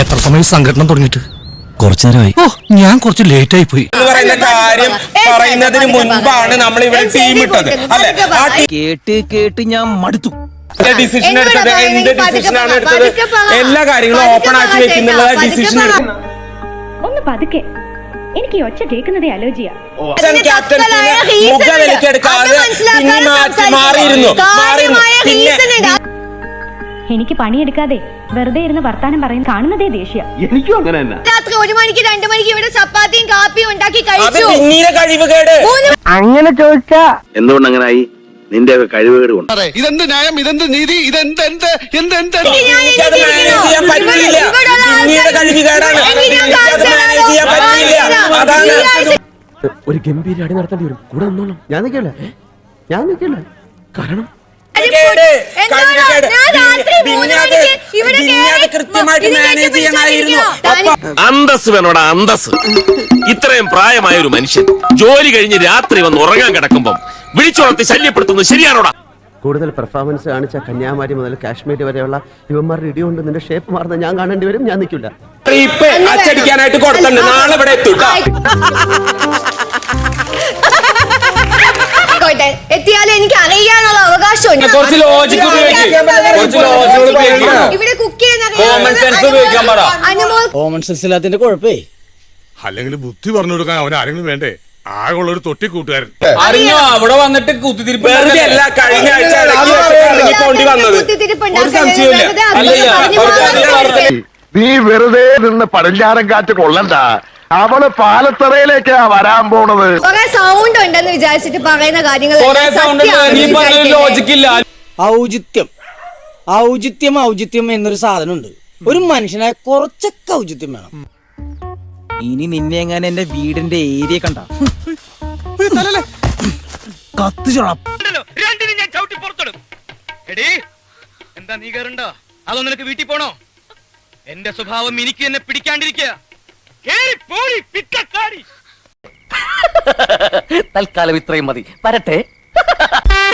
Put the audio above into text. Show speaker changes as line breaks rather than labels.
എത്ര സമയം സംഘടന തുടങ്ങിയിട്ട്?
കുറച്ചു നേരമായി.
ഓ, ഞാൻ കുറച്ച് ലേറ്റ് ആയി പോയി.
കാര്യം പറയുന്നതിന് മുൻപാണ് നമ്മൾ ഇവിടെ ടീം ഇട്ടത് അല്ലെ?
കേട്ട് ഞാൻ മടുത്തു.
ഡിസിഷൻ എടുത്തത് എന്ത് ഡിസിഷനാണ് എടുത്തത്? എല്ലാ കാര്യങ്ങളും ഓപ്പൺ ആക്കി വെക്കുന്നുള്ള ഡിസിഷൻ എടുക്കുന്നത്.
ഒന്ന് പതുക്കെ, എനിക്ക് ഒച്ച കേൾക്കുന്നതേ അലോചിയ. എനിക്ക് പണിയെടുക്കാതെ വെറുതെ ഇരുന്ന് വർത്താനം പറയും കാണുന്നതേ ദേഷ്യ.
എനിക്കും അങ്ങനെ തന്നെ.
രാത്രി 1 മണിക്ക് 2 മണിക്ക് ഇവിടെ ചപ്പാത്തിയും കാപ്പിയും ഉണ്ടാക്കി കഴിച്ചു.
അങ്ങനെ ചോദിച്ചാ
എന്തുകൊണ്ട് അങ്ങനായി? നിന്റെ കഴിവുകേട് കൊണ്ട്.
ഇതെന്ത് ന്യായം, ഇതെന്ത് നീതി, ഇതെന്ത്
ഒരു ഗംഭീര അടി നടത്തേണ്ടി വരും. കൂടെ നിന്നോളാം. ഞാൻ നിൽക്കില്ല. കാരണം
അന്തസ് വേണോടാ, അന്തസ്. ഇത്രയും പ്രായമായ ഒരു മനുഷ്യൻ ജോലി കഴിഞ്ഞ് രാത്രി വന്ന് ഉറങ്ങാൻ കിടക്കുമ്പം വിളിച്ചുണർത്തി ശല്യപ്പെടുത്തുന്നത് ശരിയാണോടാ?
കൂടുതൽ പെർഫോമൻസ് കാണിച്ച കന്യാകുമാരി മുതൽ കാശ്മീർ വരെയുള്ള യുവന്മാരുടെ ഇടികൊണ്ട് നിന്റെ ഷേപ്പ് മാറുന്ന ഞാൻ കാണേണ്ടി വരും. ഞാൻ നിൽക്കില്ല.
അച്ചടിക്കാനായിട്ട് കൊടുത്തുണ്ട്. നാളെ ഇവിടെ എത്തും.
എത്തിയാലും എനിക്ക് അറിയാനുള്ള അവകാശമുണ്ട്.
കുറച്ച് ലോജിക്
ഇവിടെ കുക്ക്
കോമൺ സെൻസ് ഇല്ലാത്തതിന്റെ കുഴപ്പേ.
അല്ലെങ്കിൽ ബുദ്ധി പറഞ്ഞു കൊടുക്കാൻ അവൻ ആരെങ്കിലും വേണ്ടേ? ആകെയുള്ള ഒരു തൊട്ടി കൂട്ടുകാരൻ.
അറിഞ്ഞോ അവിടെ വന്നിട്ട് കുത്തിത്തിരിപ്പ് അല്ല. കഴിഞ്ഞ ആഴ്ച പോണ്ടി വന്നത് ഒരു സംശയമില്ല.
നീ വെറുതെ നിന്ന് പടിഞ്ഞാറൻ കാറ്റ് കൊള്ളണ്ട. അവള് പാലത്തറയിലേക്കാ വരാൻ പോണത്.
കുറെ സൗണ്ട് ഉണ്ടെന്ന് വിചാരിച്ചിട്ട് പറയുന്ന കാര്യങ്ങൾ
ലോജിക്കില്ല.
ഔചിത്യം എന്നൊരു സാധനമുണ്ട്. ഒരു മനുഷ്യനായ കുറച്ചൊക്കെ ഔചിത്യം വേണം. ഇനി നിന്നെ എങ്ങനെ എന്റെ വീടിന്റെ ഏരിയ കണ്ട
എന്താ നീ കയറണ്ടോ? അതോ നിനക്ക് വീട്ടിൽ പോണോ? എന്റെ സ്വഭാവം എനിക്ക് എന്നെ പിടിക്കാണ്ടിരിക്കുക.
തൽക്കാലം ഇത്രയും മതി. വരട്ടെ.